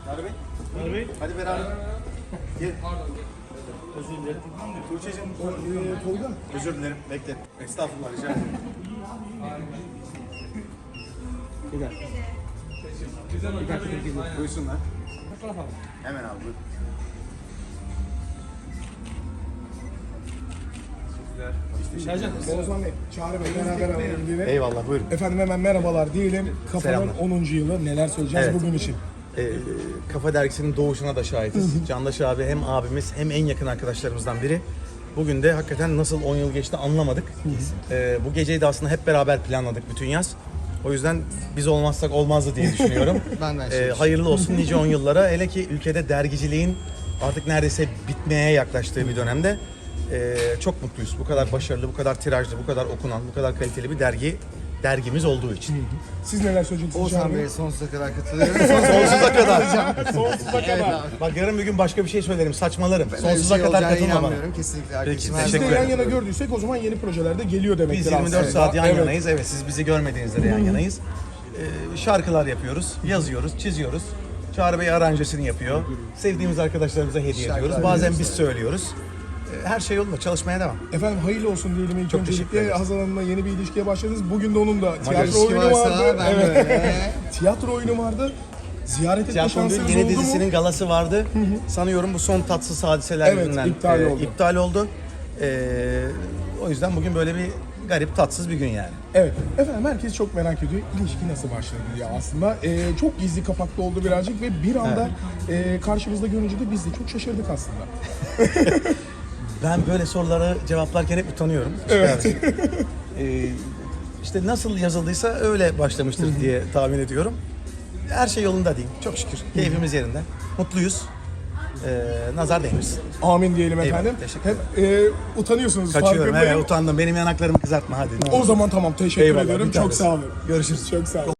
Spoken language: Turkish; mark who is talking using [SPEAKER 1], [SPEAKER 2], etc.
[SPEAKER 1] Çağrı Bey.
[SPEAKER 2] Çağrı Bey.
[SPEAKER 1] Hadi beraber. Gel.
[SPEAKER 2] Özür dilerim.
[SPEAKER 1] Tuğçe'cim.
[SPEAKER 3] Tolga.
[SPEAKER 1] Özür dilerim. Bekle. Estağfurullah rica ederim.
[SPEAKER 3] Bir dakika.
[SPEAKER 1] Buyursunlar. Hemen abi buyur.
[SPEAKER 2] Sercan.
[SPEAKER 3] Oğuzhan Bey, Çağrı Bey beraber alalım diye.
[SPEAKER 1] Eyvallah buyurun.
[SPEAKER 3] Efendim hemen merhabalar diyelim. Kafanın
[SPEAKER 1] Selamlar.
[SPEAKER 3] 10. yılı neler söyleyeceğiz
[SPEAKER 1] Evet.
[SPEAKER 3] bugün için?
[SPEAKER 1] Kafa Dergisi'nin doğuşuna da şahitiz. Candaş abi hem abimiz hem en yakın arkadaşlarımızdan biri. Bugün de hakikaten nasıl 10 yıl geçti anlamadık. Bu geceyi de aslında hep beraber planladık bütün yaz. O yüzden biz olmazsak olmazdı diye düşünüyorum. Hayırlı olsun nice 10 yıllara. Hele ki ülkede dergiciliğin artık neredeyse bitmeye yaklaştığı bir dönemde çok mutluyuz. Bu kadar başarılı, bu kadar tirajlı, bu kadar okunan, bu kadar kaliteli bir dergimiz olduğu için.
[SPEAKER 3] Siz neler söyleyeceksiniz Çağrı
[SPEAKER 4] Oğuzhan
[SPEAKER 3] Bey?
[SPEAKER 4] Bey'e sonsuza kadar katılıyorum.
[SPEAKER 1] Sonsuza kadar.
[SPEAKER 3] Sonsuza kadar.
[SPEAKER 1] Bak yarın bir gün başka bir şey söylerim, saçmalarım.
[SPEAKER 4] Öyle
[SPEAKER 1] Sonsuza
[SPEAKER 4] bir şey
[SPEAKER 1] kadar
[SPEAKER 4] olacağına
[SPEAKER 1] katılma bana.
[SPEAKER 4] inanmıyorum. Kesinlikle arkadaşım.
[SPEAKER 1] Peki,
[SPEAKER 3] Siz
[SPEAKER 1] teşekkür
[SPEAKER 3] de yan
[SPEAKER 1] ederim.
[SPEAKER 3] yana gördüysek o zaman yeni projelerde geliyor demektir
[SPEAKER 1] Biz 24
[SPEAKER 3] aslında.
[SPEAKER 1] saat yan
[SPEAKER 3] Evet.
[SPEAKER 1] yanayız. Evet, siz bizi görmediğinizde de yan yanayız. Şarkılar yapıyoruz, yazıyoruz, çiziyoruz. Çağrı Bey aranjesini yapıyor. Sevdiğimiz arkadaşlarımıza hediye ediyoruz. Bazen biz söylüyoruz. Her şey yolunda, çalışmaya devam.
[SPEAKER 3] Efendim hayırlı olsun diyelim ilk
[SPEAKER 1] Çok teşekkür
[SPEAKER 3] öncelikle.
[SPEAKER 1] ederiz.
[SPEAKER 3] Hazal Hanım'la yeni bir ilişkiye başladınız. Bugün de onun da tiyatro
[SPEAKER 4] İlişki
[SPEAKER 3] oyunu
[SPEAKER 4] varsa
[SPEAKER 3] vardı.
[SPEAKER 4] ben böyle.
[SPEAKER 3] Tiyatro oyunu vardı. Ziyaret etme
[SPEAKER 1] Tiyatronun
[SPEAKER 3] şansınız
[SPEAKER 1] yeni
[SPEAKER 3] oldu mu?
[SPEAKER 1] dizisinin galası vardı. Sanıyorum bu son tatsız hadiseler
[SPEAKER 3] Evet,
[SPEAKER 1] yüzünden
[SPEAKER 3] iptal oldu.
[SPEAKER 1] O yüzden bugün böyle bir garip, tatsız bir gün yani.
[SPEAKER 3] Evet. Efendim herkes çok merak ediyor. İlişki nasıl başladı diye aslında. Çok gizli kapaklı oldu birazcık ve bir anda karşımızda görünce de biz de çok şaşırdık aslında.
[SPEAKER 1] Ben böyle sorulara cevaplarken hep utanıyorum.
[SPEAKER 3] Evet.
[SPEAKER 1] İşte nasıl yazıldıysa öyle başlamıştır diye tahmin ediyorum. Her şey yolunda diyeyim. Çok şükür. Keyfimiz yerinde. Mutluyuz. Nazar değmesin.
[SPEAKER 3] Amin diyelim
[SPEAKER 1] Eyvallah,
[SPEAKER 3] efendim.
[SPEAKER 1] teşekkür
[SPEAKER 3] Hep utanıyorsunuz
[SPEAKER 1] Kaçıyorum.
[SPEAKER 3] farkındayım.
[SPEAKER 1] Evet, utandım. Benim yanaklarımı kızartma hadi.
[SPEAKER 3] O zaman tamam teşekkür
[SPEAKER 1] Eyvallah,
[SPEAKER 3] ediyorum.
[SPEAKER 1] bir
[SPEAKER 3] Çok
[SPEAKER 1] tanesi.
[SPEAKER 3] sağ olun.
[SPEAKER 1] Görüşürüz.
[SPEAKER 3] Çok sağ olun.